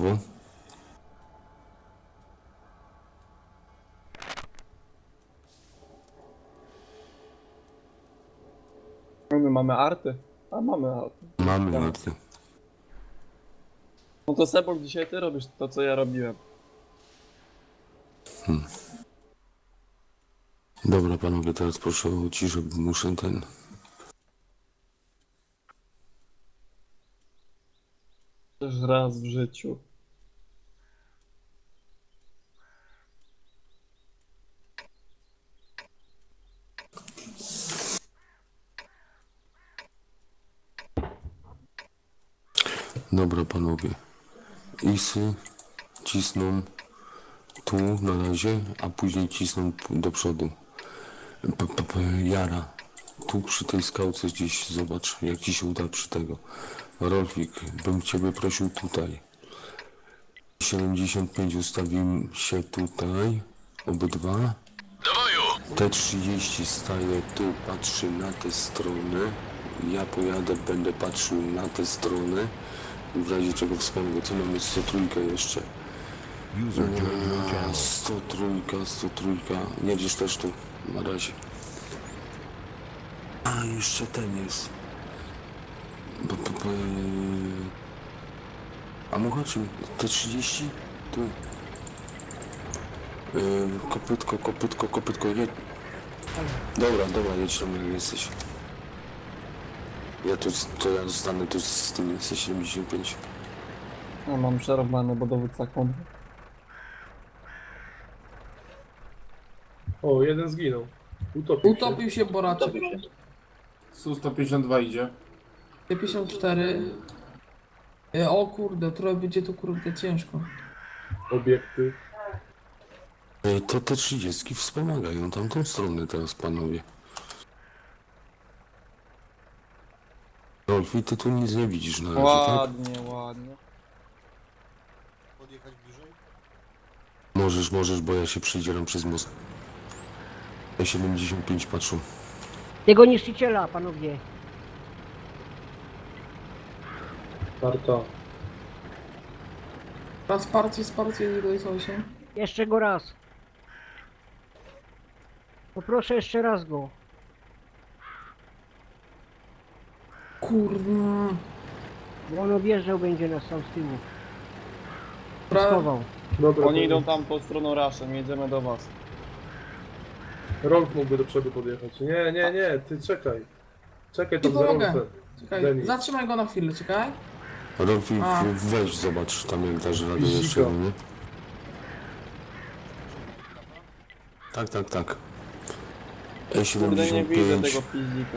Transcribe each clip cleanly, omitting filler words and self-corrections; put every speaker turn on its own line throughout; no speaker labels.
Wo?
My mamy arty. A mamy arty.
Mamy
Tak.
arty.
No to Sebok, dzisiaj ty robisz to, co ja robiłem.
Dobra panowie, teraz proszę o ciszę, bo muszę ten...
Też raz w życiu.
Dobra panowie. Isy cisną tu na razie, a później cisną do przodu. Jara. Tu przy tej skałce gdzieś zobacz, jak ci się uda przy tego. Rolfik, bym ciebie prosił tutaj. 75 ustawił się tutaj. Obydwa. T30 staje tu, patrzy na tę stronę. Ja pojadę, będę patrzył na tę stronę. W razie czego wspomnę, co mamy 103 jeszcze. 103. Jedziesz też tu, na razie. A, jeszcze ten jest. A muchaczy, T30? Tu. Kopytko, jedź. Dobra, jedź tam jak jesteś. Ja zostanę tu z tym C75.
No, mam przerobane, bo dowódca konwy.
O, jeden zginął.
Utopił się Boraczek.
Su-152 idzie.
T54. O kurde, trochę będzie tu kurde ciężko.
Obiekty.
To te 30 wspomagają tamtą stronę teraz, panowie. Rolfi, ty tu nic nie widzisz na razie, tak?
Ładnie.
Podjechać bliżej?
Możesz, bo ja się przedzieram przez most. E75 patrzą.
Tego niszczyciela, panowie.
Karta.
Raz wsparcie, nie dojechał się.
Jeszcze go raz. Poproszę jeszcze raz go.
Kurwa.
Bo on objeżdżał będzie nas tam z tyłu.
Dobra,
Schował.
Dobra,
Oni idą tam pod stroną raszem, jedziemy do was.
Rolf mógłby do przodu podjechać. Nie, ty czekaj. Czekaj tam
Nie
za
pomogę.
Rolfem.
czekaj,
Denis.
zatrzymaj go na chwilę, czekaj.
Rolfi,
A.
weź zobacz tam jak dasz radę
Fizika.
jeszcze, nie? Tak.
Kurde, nie widzę
E75.
tego fizika.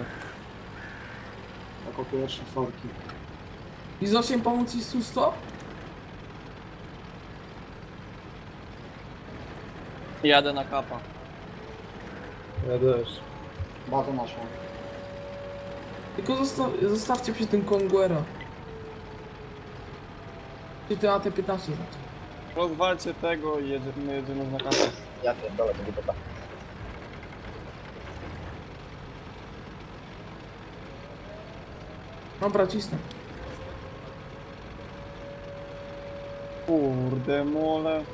Jako pierwsze forki.
I z 8 pomóc ci Susto?
Jadę na kapa.
Ja też.
Bazę naszą.
Tylko zostawcie przy tym Konguera. Czy ty AT-15 znaczy.
Rozwalcie tego i jedziemy na kapa.
Ja pierdolę, będzie dobra.
Dobra, cisnę.
Kurde mole.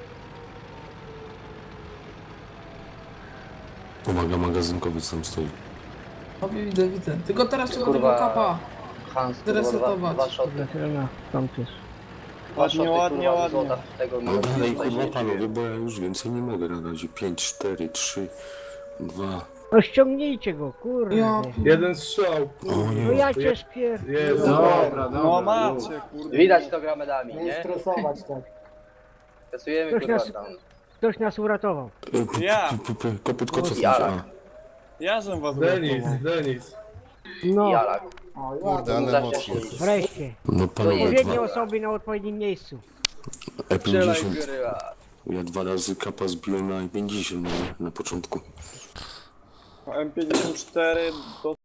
Pomaga magazynkowiec tam stoi.
No widzę. Tylko teraz trzeba
Kurwa.
tego kapa
Hans,
zresetować.
dwa szoty.
Zaczyna tam też.
Ładnie.
Tego
No dalej, kurwa panowie, bo ja już więcej nie mogę na razie. 5, 4, 3, 2.
No ściągnijcie go, kurde.
Ja
Jeden strzał.
O nie.
No ja cię spier...
Jest.
No macie, kurde.
Widać to gra medami, nie?
stresować tak.
Pracujemy
Ktoś
kurwa
nas-
tam.
Ktoś nas uratował.
Ja.
Kopytko, co
Ja.
a.
Ja żem was
Denis.
No,
Jalak.
Kurde, ale
Zawsze
mocno.
się-
wreszcie.
No panowie,
Odpowiednie osoby na odpowiednim miejscu.
Strzelaj
E50.
góryła.
Ja 2 razy kapa zbiłem na E50 na początku.
M54 do